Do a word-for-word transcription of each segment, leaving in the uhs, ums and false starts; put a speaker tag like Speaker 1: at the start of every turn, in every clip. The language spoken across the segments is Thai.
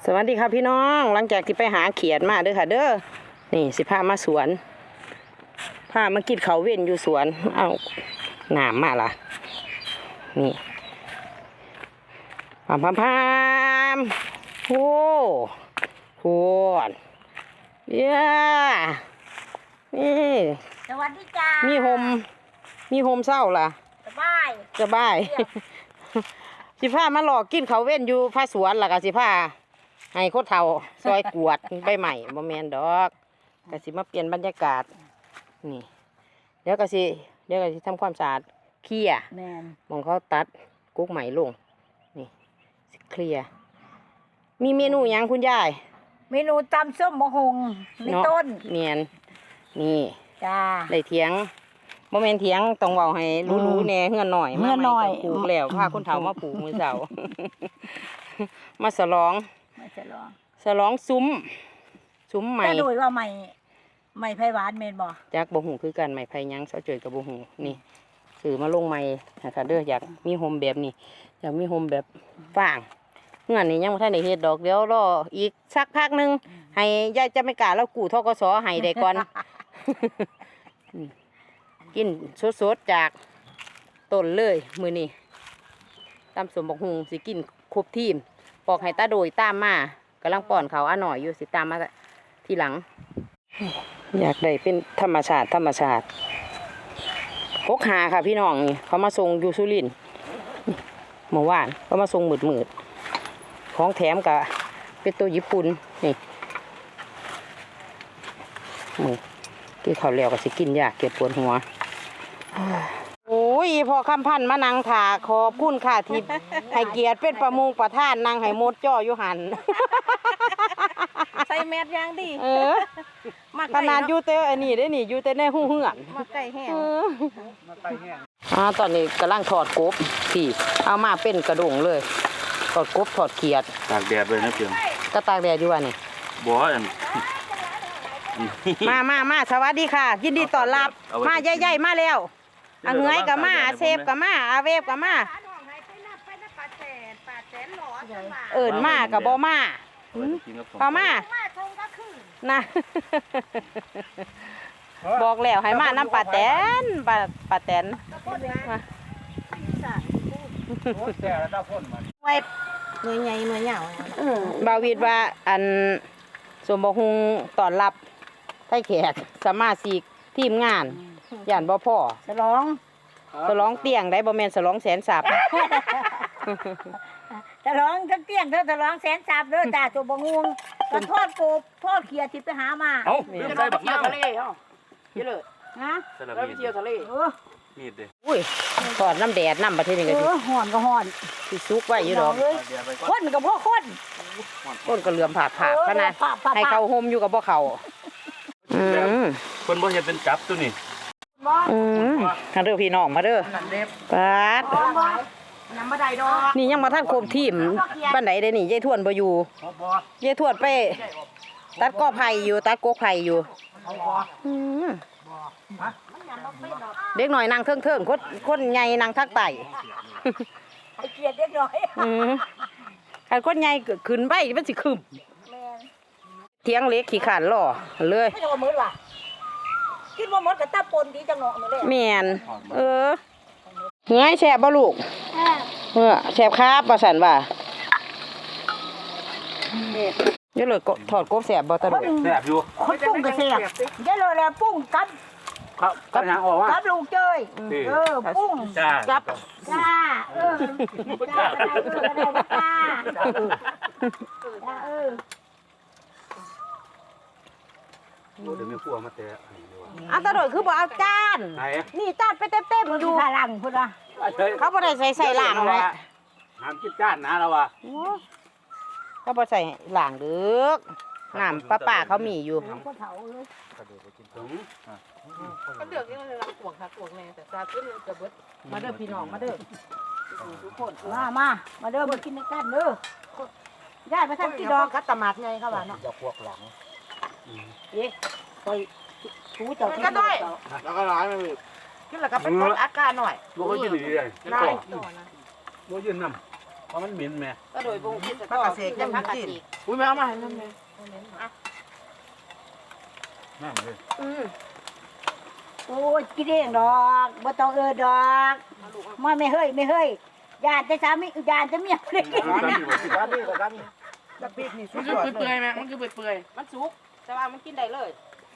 Speaker 1: สวัสดีครับพี่น้องหลังจากที่ไปหาเขียดมาเด้อค่ะเด้อนี่สิพามาสวนพามากินเขาเว้นอยู่สวนเอาหนามมาล่ะนี่พามพามพามโอ้โหเย้นี่
Speaker 2: สวัสดีจ้า
Speaker 1: มีโฮมมีโฮมเศร้าล่ะ
Speaker 2: สบาย
Speaker 1: สบายสิพามาหลอกกินเขาเว้นอยู่พาสวนล่ะกะสิพาให้โคตรเฒ่าซอยกวดใบใหม่บ่แม่นดอกกะสิมาเปลี่ยนบรรยากาศนี่เดี๋ยวกะสิเดี๋ยวกะสิทำความสะอาดเคลียร์
Speaker 2: แม่น
Speaker 1: มองเขาตัดกุ๊กใหม่ลงนี่เคลียร์มีเมนูหยังคุณยาย
Speaker 2: เมนูตำส้มมะฮงในต้น
Speaker 1: เมียนนี่
Speaker 2: จ้า
Speaker 1: ได้เถียงบ่แม่นเถียงต้องเว้าให้รู้ๆแน่เฮือนหน่อย
Speaker 2: เฮือนหน่อย
Speaker 1: ปลูกแล้วพาคนเฒ่ามาปลูกมื้อเช้ามาฉลอง
Speaker 2: มาฉลอง
Speaker 1: ฉลองซุ้มซุ้มใหม่
Speaker 2: แต่โดยว่าใหม่ใหม่ไผหวานแม่นบ่
Speaker 1: จักบ่ฮู้คือกันใหม่ไผหยังเซาเจยกับบ่ฮู้นี่ซื้อมาลงใหม่นะคะเด้ออยากมีโฮมแบบนี้อยากมีโฮมแบบฟางเฮือนนี่ยังบ่ทันได้เฮ็ดดอกเดี๋ยวรออีกสักพักนึงให้ยายจะไม่กล้าแล้วกู้ธกสให้ได้ก่อนกินสดๆจากต้นเลยมื้อนี้ตำสมบักฮุงสิกินครบทีมปอกให้ตาโดยตามมากำลังป้อนเขาอ่ะหน่อยอยู่สิตามมาทีหลังอยากได้เป็นธรรมชาติธรรมชาติพกหาค่ะพี่น้องนี่เขามาส่งอยู่สุรินทร์เมื่อวานเขามาส่งหมืดหมืดของแถมกับเป็นตัวญี่ปุ่นนี่มือที่เขาเลี้ยวก็สิกินยากเก็บปวดหัวโอ้ยพอคำพันมานั่งถาขอบคุณค่ะที่ให้เกียรติเป็นประมงประท่านนั่งให้มดจ่ออยู่หัน
Speaker 2: ใส่แมสยังดี
Speaker 1: เออขนาดอยู่เต้อันนี้ได้นี่อยู่เต้ในหูเหือน
Speaker 2: มาไก่แห้ง
Speaker 1: มาไก่แห้งอ่าตอนนี้กำลังถอดกบพี่เอามาเป็นกระดงเลยถอดกบถอดเขียด
Speaker 3: ตากแดดเลยนะเพียง
Speaker 1: ก็ตากแดดอยู่ว่ะนี่
Speaker 3: บ่อัน
Speaker 1: มามามาสวัสดีค่ะยินดีต้อนรับมาใหญ่ๆมาแล้วอาเงยกับมาอาเซฟกับมาอาเวฟกับมาเอิญมากับบ่มาพอมานะบอกแล้วให้มาน้ำปลาแตนปลาปลาแตน
Speaker 2: ไว้หน่วยใหญ่หน่วยใหญ่
Speaker 1: บาวิดว่าอันสมบูรณ์ตอนรับไทยแขกสมาชิกทีมงานย่านบ่พ่อ
Speaker 2: ฉลอง
Speaker 1: ฉลองเตียงได้บ่แม่นฉลองแสนสับ
Speaker 2: ฉลองทั้งเตียงทั้งฉลองแสนสับเด้อจ้าตัวบ่งวงก็ทอดกบทอดเขียดที่ไปหามา
Speaker 3: เอ้าเดี๋ยวใส่บักน้ำ
Speaker 1: ทะเลเฮาเยอะเลย
Speaker 2: นะ
Speaker 1: แล้วไปเที่ยวทะเลเออ
Speaker 3: มีดเด้
Speaker 1: อุ้ยทอดน้ำแดดน้ำประเทศนี้ก็สิ
Speaker 2: เออฮ้อนก็ฮ้อน
Speaker 1: สิสุกไว้อยู่ดอก
Speaker 2: คนก็บ่คน
Speaker 1: คนก็เหลื่อมผาดผาดขนาดให้เขาห่มอยู่กับบ่เขาอืม
Speaker 3: เพิ่นบ่เฮ็ดเป็นจับตัวนี้
Speaker 1: อืมมาเด้อพี่น้องมาเด้อปาด
Speaker 2: ยังบ่ได้ดอก
Speaker 1: นี่ยังมาท่านโคมทีมบ้านไหนเด้นี่ยายทวนบ่อยู่ยายทวนไปตัดกอไผ่อยู่ตัดกกไผ่อยู่อืมเด็กหน่อยนางเทิงเทิงคนคนใหญ่นางทักไต่
Speaker 2: ไอเกียดเด็กหน่อย
Speaker 1: อืมใครคนใหญ่ขึ้นไปมันสิขึ้นเทียงเล็กขี้ขาดล่อเลย
Speaker 2: ไม่จะว่ามืดว่ะคิดว่ามืดกับตาปนดีจังเนาะมื้อ
Speaker 1: แม่นเออเฮ้ยแซ่บบ่ลูกเออแซ่บครับว่าซั่นว่าเดี๋ยวเลยถอดกบแซ่บบ่ตะลุ
Speaker 3: แซ่บอยู่
Speaker 2: คนปุ้งก็แซ่บเดี๋ยวเลยแล้วปุ้งกับ
Speaker 3: ครับกับหยังออกว่า
Speaker 2: กับลุงเจ้ยเออปุ้ง
Speaker 1: กับ
Speaker 2: จ้าเออจ้าจ้าเออ
Speaker 3: โอ้เดี๋ยวมีพวกมาแตะ
Speaker 1: เอาตะโดยคือบ่เอาจานนี่จานไปเต็มๆอยู่
Speaker 2: ข้างหลังพุ่นว่า
Speaker 1: เขาบ่ได้ใส่ใส่ล่างเลย
Speaker 3: น้ำกินจานนะเราว่า
Speaker 1: เขาบ่ใส่ล่างดึกน้ำป้าๆเขามีอยู่
Speaker 2: ก็เฒ่าเลย
Speaker 3: กระโดดไปกินถึง
Speaker 1: ก็เดือกนี่มันกวกค่ะกวกแน่แต่ตาขึ้นกระเบิดมาเด้อพี่น้องมาเด้อทุกคน
Speaker 2: มามามาเด้อมากินในกันเด้อย่าไปทำกี่ดอกกัดตะมัดไงเขาว่าเนาะ
Speaker 3: จะพวกหลัง
Speaker 2: เอ๊ะไปชูเจ้า
Speaker 1: ก็ได้
Speaker 3: แล้วก็ร้ายมัน
Speaker 1: กินแล้วก็เป็นต้นอากาศหน่อย
Speaker 3: บ่ค่อยกินดีเลย
Speaker 1: ได้
Speaker 3: บ่ยืนน้ำราะมันเหม็นแม่
Speaker 1: ก็โดยบงคิดก็จะพักกะสิ
Speaker 3: อุ้ยแม่เอามาให้นั่นแม่นั่นเลย
Speaker 1: อืม
Speaker 2: โอ้ยกินเองดอกบ่ต้องเออดอกมาไม่เฮ้ยไม่เฮ้ยยานแต่สามียานแต่เมียบ่ได้กิน
Speaker 3: ร้านนี้บ่สิร้านนี้ร้านนี้
Speaker 4: ดักปีกนี่สุ
Speaker 5: มั
Speaker 4: ด
Speaker 5: น
Speaker 4: ย
Speaker 5: คือ
Speaker 4: อด
Speaker 5: เปื่
Speaker 4: เล
Speaker 5: อย
Speaker 4: ย
Speaker 5: ๆแม่มันคือเปื่อย
Speaker 1: มันสุกแต่ว่ามันกินได้เลย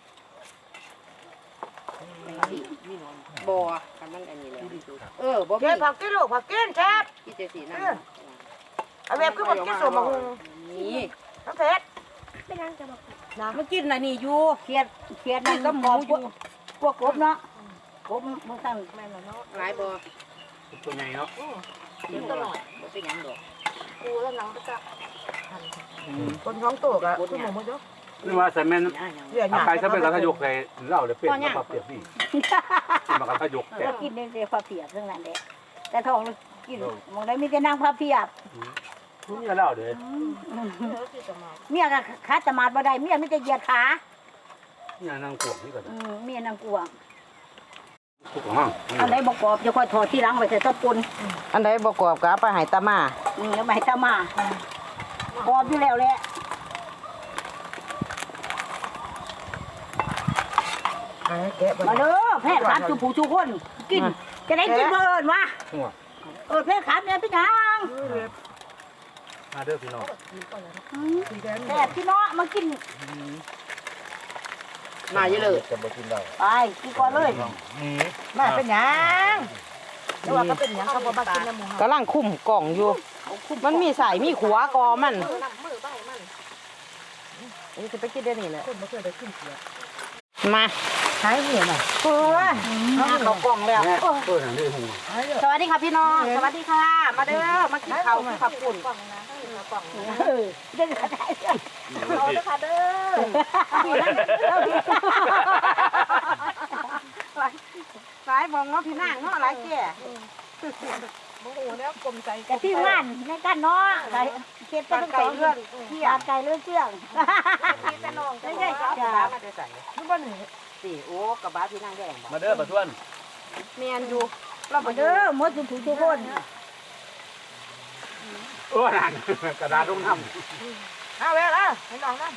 Speaker 1: บ่ทำมันอันนี้แล้วเออบ่
Speaker 4: เก็
Speaker 1: มี
Speaker 4: บผักกินลูกผักกินแซ่บ
Speaker 1: กินแต่สีน้
Speaker 4: เอาแบบคือผักกินสมบัติ
Speaker 1: ำนี่
Speaker 4: น้ำเผ็ด
Speaker 1: มันกินน่ะนี่อยู่
Speaker 2: เครียดเครียดนี่ก็หมูอยู่พวกกบเนาะกบมันตั้ง
Speaker 1: หลายบ่
Speaker 3: ตัวใหญ่เนาะ
Speaker 1: กินตลอดบ่เป็นหยังดอก
Speaker 4: คนท้องโตกอะคือหมูมันเยอะ
Speaker 3: นี่ว่าใส่แม่น
Speaker 4: เดี๋ยวห
Speaker 3: เอา
Speaker 4: ยา
Speaker 3: ไปซะเป็นกระทะยกใส่เหล้าเลยเป็ดมาปรับเปรียบนี่มากระทะยกแต่
Speaker 2: ก็กินได้พาเพียบเรื่องนั้นแหละแต่ท้องกินมองได้มีแต่นางพาเพียบ
Speaker 3: คุณอย่าเหล้าเด้อ
Speaker 2: เมียก็ขาตมาดบ่ได้เมียมีแต่เหยียดขา
Speaker 3: เนี่ยนางกวงนี่ก็
Speaker 2: อืมเมียนางกวาง
Speaker 3: ทุกห้อง
Speaker 2: อันใดบ่กรอบจะค่อยถอดที่หลังไว้ใส่ตะปุน
Speaker 1: อันใดบ่กรอบก็เอาไปให้ตามา
Speaker 2: อืมแล้วมาให้ตามากรอบอยู่แล้วแหละ
Speaker 4: แกะ
Speaker 2: มาเด้อแพทย์ครับชูผู้ชูคนกินจะได้กินเบิ่นวะเออแพทย์ครับเนี่ยพี่นาง
Speaker 3: มาเด้อพี่น้อง
Speaker 2: แพทย์พี่น้องมากิน
Speaker 1: มาเยอะเลย
Speaker 3: จะบ่กินเหล้า
Speaker 2: ไปกินก่อนเลย
Speaker 3: นี่
Speaker 4: มาเป็นหยังแต่ว่าก็เป็นหยังเขาบอกมากินน้ำหมู
Speaker 1: กำลังคุ้มกล่องอยู่ มันมีสายมีขัวกอมัน นี่จะไปกินได้นี่แหละ
Speaker 4: คนไม่เคยได้กินเสีย
Speaker 1: มา
Speaker 4: หายเหนื่อยหน่อย
Speaker 1: เพื่อมาเขากล่องแล้ว
Speaker 3: แม่เปิดทางนี้หู
Speaker 4: หายเหนื่อย
Speaker 1: สวัสดีค่ะพี่น้อง สวัสดีค่ะ มาเด้อ มากินข้าวกินข้าวปุ่น
Speaker 2: เออเดินกระได
Speaker 1: เอาเด้อค่ะเด้อสายมองเนาะพี่นางเนาะหลายแก่
Speaker 4: โอ้โหแล้วกลมใจ
Speaker 2: กะที่งานในกันเนาะไก่เค็ดก็ต้องสองเรื่องเที่ยไก่เรื่องเชื่อง
Speaker 1: พี่แต่น้อง
Speaker 2: ไม่ใช่จ้ะ
Speaker 1: กระบะมาได้ใส่
Speaker 4: ทุกวันนี้
Speaker 1: สี่โอ้กระบะพี่นางแดงบ่
Speaker 3: มาเด้อปะทวน
Speaker 1: เมียนอยู่
Speaker 2: เราไปเด้อหมดทุกทุกคน
Speaker 3: เออนั่นกระดาษลงน้ำ
Speaker 4: เอาแล้วอ่ะให้น้องนะ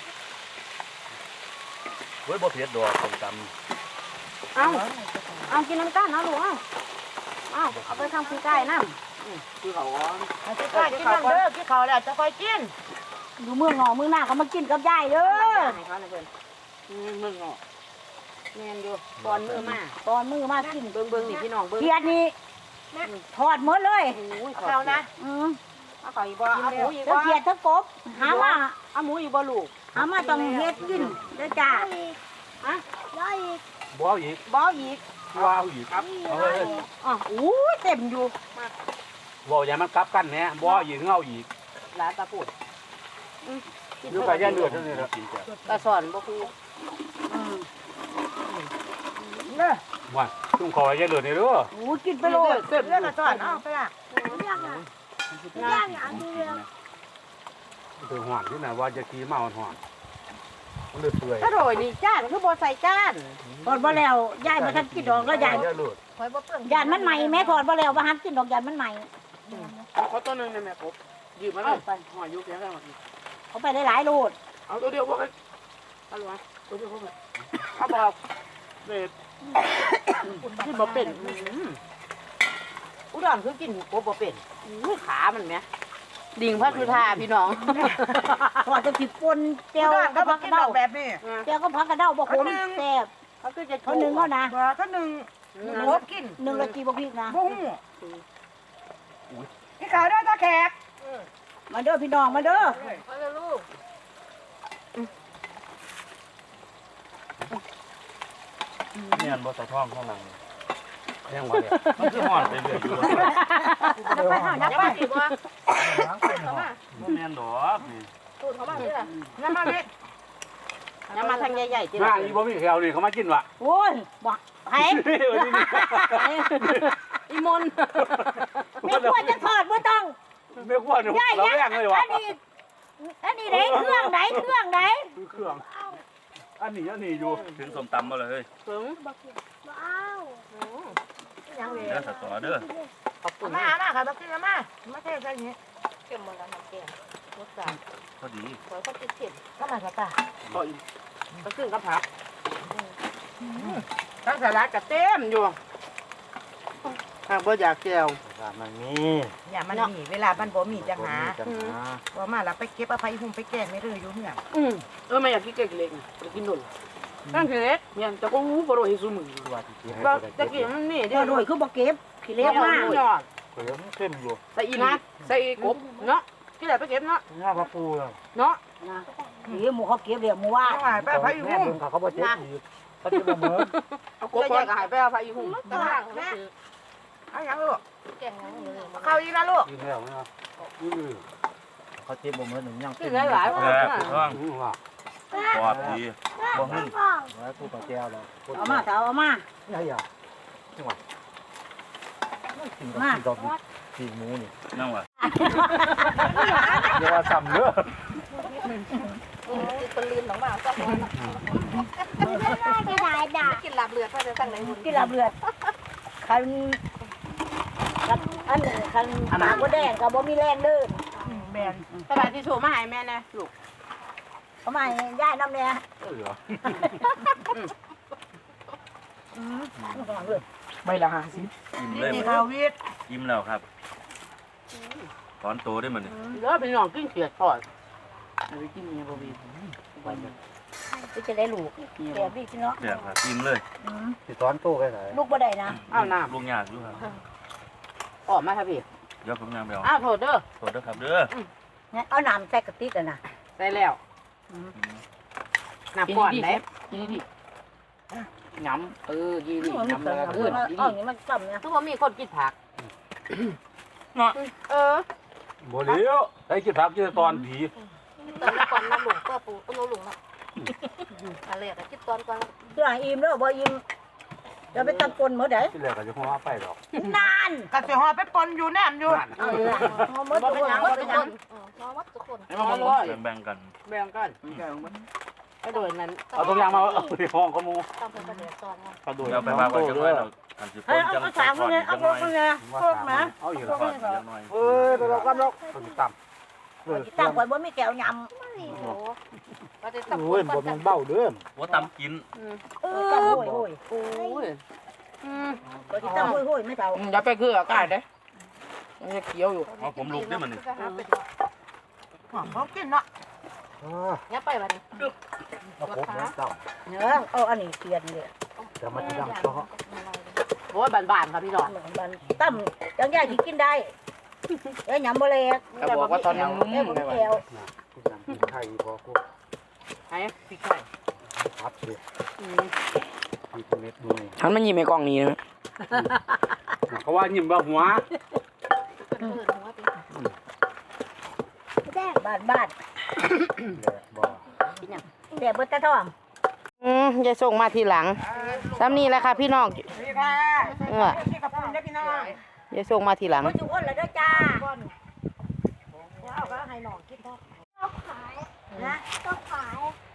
Speaker 3: เว้ยบ่เผ็ดดอกส้มต
Speaker 1: เอาเอากินน้ำตาลเอาลูกเอาเอาเอาไปทำคุยไก่น้ำคือเขาว่า
Speaker 4: กินข้าวกินน้ำเด้อกินข้าวแล้วจะคอยกิน
Speaker 2: อยู่เมืองหนอเมืองหน้าเขามากินกับยายเด้อ
Speaker 1: ให้เขาหน่อยเพิ่นอืมมึงเนาะแม่นอยู่ตอนมือมา
Speaker 2: ตอนมือมากิน
Speaker 1: เบิ่งเบิ่งนี่พี่น้องเบิ่ง
Speaker 2: เทียดนี่ทอดหมดเลย
Speaker 1: โอ้ย
Speaker 4: เอานะ
Speaker 2: อืม
Speaker 1: เอาเขาอีกบ่เอาหมูอีก
Speaker 2: ทั้
Speaker 1: บ่
Speaker 2: งเทียดทั้งกบหามา
Speaker 1: เอาหมูอีกบ่ลูก
Speaker 2: หามาต้องเฮ็ดกินเด้อจ้า
Speaker 1: อะ
Speaker 3: ำบ่เอาอีก
Speaker 1: บ่อีก
Speaker 3: บ่เอาอีกครับเอาเลย
Speaker 1: อ๋ออู้ยเต็มอยู่
Speaker 3: บ่อย่ามันกลับกันแหน่บ่เอาอีกเอาอีก
Speaker 1: หลานตาปูด
Speaker 3: อยู่กับย่าเลือดเท่านี้ละกินจ้ะ
Speaker 1: ตาสอนบ่คือ
Speaker 2: อืม
Speaker 4: เด้อ
Speaker 3: ว่าตุ้งคอยย่าเลือดนี่เด้อ
Speaker 2: โอ้กินไปโลด
Speaker 4: เรื่องละก่อนเอาไปละ
Speaker 3: ถือหวานที่ไหนว่าจะกี้เมาหวานมันเลยเปื่อย
Speaker 1: ถ้าโรยนี่จานคือบ่ใส่จาน
Speaker 2: ทอดบ่แล้วยายมาทันกินดอกแล้วยาย
Speaker 3: ย่าเลือด
Speaker 4: คอยบ่เปิ้ง
Speaker 2: ยานมันใหม่แม่ทอดบ่แล้วบ่หันกินดอกยานมันใหม่
Speaker 5: ๆขอตัวหนึงได้ไหมครับยืมมาเลยหอยยุกแค่ข้างหลัง
Speaker 2: เขาไปหลายๆโลด
Speaker 5: เอาตัวเดียวพวกกันเอาลูกมาตัวเดียวพวกกันเอาบอกเด็ดขึ้นมาเป็น
Speaker 1: อุดรคือกินกบบ่เป็นอู้ขามันแหมดิ่งพระสุธาพี่น้อง
Speaker 2: ทอดจะสิปนเจียว
Speaker 4: เจ้า
Speaker 2: ก็
Speaker 4: ก็
Speaker 2: พั
Speaker 4: มาก
Speaker 2: ก
Speaker 4: กิ
Speaker 2: ระ
Speaker 4: นด
Speaker 2: เด้า
Speaker 4: อกแบบนี้
Speaker 2: เจียวก็พักกระเด้าบ่ขมแซ่บ
Speaker 1: เขาคือจะ
Speaker 2: เขาหนึ่งเขานะ
Speaker 4: บ่ก็หนึ่งหัวกิน
Speaker 2: หนึ่งละกีบ่พริกนะ
Speaker 4: บุ้งกินข้าวได้ตาแขก
Speaker 2: มาเด้อพี่น้องมาเด้อ
Speaker 3: เนี่ยบ่ใส่ท้องข้างหลังแห้งว่าเนี่ยมันคือหวานไปเรื่อยอยู่
Speaker 2: จะไปหา
Speaker 1: ยั
Speaker 2: ยั
Speaker 1: ก
Speaker 2: ก
Speaker 1: ษ์
Speaker 2: ษ์
Speaker 1: ไป
Speaker 2: ไป
Speaker 1: สิบ่
Speaker 3: บ่แม่นดอกนี่
Speaker 1: ตูดเขามาเด้อ
Speaker 4: น้ำมันนี่
Speaker 1: อย่ามาทางใหญ่ๆติ
Speaker 3: มาอีบ่มีแถวนี่เขามากินวะ
Speaker 2: โอ้ยบ่ไผ
Speaker 1: อีมน
Speaker 2: ไม่ควรจะทอดบ่ต้อง
Speaker 3: ไม่ควร
Speaker 2: ใหญ่
Speaker 3: เรา
Speaker 2: ยั
Speaker 3: แรงเลยวะ
Speaker 2: อันนี้อันนี้ไหนเครื่องไหนเครื่องไหน
Speaker 3: คือเครื่องอันนี้อันนี้อยู่ถึงสมตำบ่เลยเฮ้ย
Speaker 1: ถึง
Speaker 4: ยังเลย
Speaker 3: เด้อสตอเด้อ
Speaker 1: ขอบคุณ
Speaker 4: มา
Speaker 1: นะ
Speaker 4: มาค่ะมากินมามาเทใส่นี้เข้มหมดแล้วน้ำแกงรสชาติ
Speaker 3: พอดี
Speaker 4: สวยก็ติดเข็มก็มาค่ะตา
Speaker 5: ก็อีกก็ขึ้นกับผักทั้งสลัดก็เต็มอยู่หากบ่อยากแก้ว
Speaker 3: มันมี
Speaker 4: อย่ามันมีเวลามันบ่มีจังหา
Speaker 3: จังหา
Speaker 4: ว่ามาแล้วไปเก็บเอาไปหุ่มไปแกงไม่เลยอยู่เหื่อ
Speaker 5: อืมเออไม่อยากกินเก๊กเล็กนะไปกินนุ่นตั้งคือเล็กเนี่ยแต่ก็หูบ่รู้ให้ซุมือ
Speaker 3: ว่าที่กินให้
Speaker 5: ว่า
Speaker 3: ได้
Speaker 5: จะกินมันนี่
Speaker 2: เดี๋
Speaker 5: เด้
Speaker 2: ยวโดยคือบ่เก็บขี้เล็กมาก
Speaker 5: ยอด
Speaker 3: เพิ่มเข้มอยู่
Speaker 5: ใส่อีนะใส่กบเนาะที่ไหนไปเก็บเนาะ
Speaker 3: ง่าพระปูเลย
Speaker 5: เนาะ
Speaker 2: นะขี้หมูเขาเก็บเดี๋ยวหมูว่า
Speaker 4: หายไปไป
Speaker 3: แม่
Speaker 4: หุ่ม
Speaker 3: เพิ่งเขาบ่เจ็บอีกเขาจะบ่เหมือน
Speaker 5: เอากบก่อนก็หายไปเอาไปอีหุ่ม
Speaker 4: กำลังแม่เอาอย่างลูกเข้าอีกนะลูก
Speaker 3: กินแล้วนะอือเขาเจ็บบ่เหมือนหนึ่งยัง
Speaker 5: ที่หลายๆว่า
Speaker 3: แซ่บถูกต้อง
Speaker 6: ปลอดดี
Speaker 3: บ่หึ่งแล้วกูกับแก้วแล้ว
Speaker 2: เอามาเอาเอามา
Speaker 3: นี่อ่ะจังหวะกินกับกินดอกกินหมูนี่
Speaker 6: นั่งวะ
Speaker 3: อย่าว่าซ้ำเด้อ
Speaker 4: ติดปืนลืมหลังบ้านก็พอกินหลับเลือดก็จะตั้งไหนหุ่น
Speaker 2: ที่ลาบเลือดคันคันอันนี้คันปากบ่แดงก็บ่มีแรงเดิน
Speaker 4: แบน
Speaker 5: กระดาษทิชชู่มาให้แม่นะลูก
Speaker 2: เอามาให้ย่ายน้ำเนี่ย
Speaker 3: เออ
Speaker 5: ใบละห้าสิบ
Speaker 6: อิ่มเลย
Speaker 4: นี่
Speaker 6: มัน
Speaker 4: ข้าววิทย์
Speaker 6: อิ่มแล้วครับถอนโตได้มัน
Speaker 5: เหลือเป็นน้องกินเขียดทอดเอาไปกินเนี่ยบ่มี
Speaker 2: ที่จะได้ลูกแก่พี่เนาะ
Speaker 6: เนี่ยครับอิ่มเลย
Speaker 3: สิสอนโตไปไหน
Speaker 2: ลูกบ่ได้นะ
Speaker 5: อ้าวน้
Speaker 6: ลุงยากอยู่ครับ
Speaker 5: ำออกมาครับพี่
Speaker 6: เดี๋ยวผมยังไปเอา
Speaker 5: อ้าวโทษเด้อ
Speaker 6: โทษด้วยครับเด้อ
Speaker 2: งั้นเอาน้ำใส่กระติกอ่ะนะ
Speaker 5: ได้แล้วน้ำก่อนไหนกินดิยำเออกินดิ
Speaker 2: มัน
Speaker 5: ยำ
Speaker 2: เกิ
Speaker 5: แล้ว
Speaker 2: ด
Speaker 5: ก็ขึ้น
Speaker 2: เอาอย่างนี้มันต่ำเนี่ย
Speaker 5: ทุกคนมีคนกินผักเออ
Speaker 3: บ่เลี้ยวไอ้กินผักกินตอนผี
Speaker 4: ตอนก่อนน้ำหลงก็ปูต้นหลงแล้วอะไรอะคิดตอนก่อน
Speaker 2: เดี๋ยวอิ่มแล้วบ่อิ่มจะไปตำปนมื้อใด
Speaker 3: ที่แรกก็จะหัวไปดอก
Speaker 2: นาน
Speaker 4: กระเสียหอไปปนอยู่แนมอยู่
Speaker 2: เอาละเอามื้อทุกคนมื้อทุกคน
Speaker 4: น้องวัดทุกคน
Speaker 5: ให้มาเลย
Speaker 6: แบ่งๆกัน
Speaker 5: แบ่งกันก็โดยนั้น
Speaker 3: เอาตัวอย่างมาเอาไปห้องเขามู
Speaker 4: ต้องเป็นประเดี๋ยวตอนไง
Speaker 3: เขาดู
Speaker 6: เดี๋ยวไปว่าไว้จังหน่อยเราอันสิ
Speaker 2: เฮ้ย
Speaker 6: น
Speaker 2: เอา
Speaker 6: จัง
Speaker 2: เอา
Speaker 6: จั
Speaker 2: สาง ม
Speaker 6: ก่อน
Speaker 2: เนี่ยเอา
Speaker 6: จัง
Speaker 2: พ
Speaker 6: ห
Speaker 2: ว
Speaker 6: น่
Speaker 2: ก
Speaker 6: อย
Speaker 2: มึงเนี่ยพวกนะ
Speaker 3: เอาอยู่
Speaker 6: ก่
Speaker 3: แล้
Speaker 6: อ
Speaker 3: วน
Speaker 6: จังหน่อย
Speaker 3: เอ้ยตัวเรากันเนาะตัวต่ำเออ
Speaker 2: ตั้งไว้บ่มีแก้วย
Speaker 4: โอ้ประเดี๋ยว
Speaker 3: โอ้ยบ่มันเบ้าเด้อ
Speaker 6: ว่าตำกิน
Speaker 2: ำเออโอ้ยโอ้ย
Speaker 5: โอ้ยอืม
Speaker 2: ก็สิตั้งโอ้ยโอ้ยไม่เท่า
Speaker 5: อย่าไปคืออากาศเด้มันจะเขียวอยู่
Speaker 6: เอาผมลุกได้มันนี่
Speaker 4: เขากินเนาะ
Speaker 3: เออ
Speaker 4: เนี่ยไปวันนี้
Speaker 3: เอาผมแล้วต่
Speaker 2: เออเอาอันนี้เปลี่ยนเลย
Speaker 3: ำแต่มันจะดังเพราะ
Speaker 5: โอ้ยบานๆครับพี่น้อง
Speaker 2: มันตั้มจังยายสิกินได้เอ้ยยำบ่เล็ก
Speaker 5: แต่บอกว่าตอนยังนุ่ม
Speaker 2: แม่บ่มีแก้ว
Speaker 3: กินน้ำกินไข่พอกู
Speaker 5: ให้พี่ไข่
Speaker 3: พับเลย
Speaker 5: อืม
Speaker 3: กินเม็ดมือ
Speaker 5: ฉันมันยิ้มในกล้องนี้นะ
Speaker 3: เขาว่ายิ้มว่าหัว
Speaker 2: บ้านบ้าน
Speaker 3: บ่
Speaker 2: แต่เบิดตะทอง
Speaker 1: อืมยายส่งมาทีหลังซ้ำนี่แหละค่ะพี่น้อง
Speaker 5: พี่ค่ะ
Speaker 1: เออ
Speaker 5: พี่กับผมได้พี่น้อง
Speaker 1: ยายส่งมาทีหลัง
Speaker 2: บ่จุอ้นแล้วเด้อจ้า
Speaker 4: เอาก็ให้น้องกินได้
Speaker 2: นะ
Speaker 7: ก็ขาย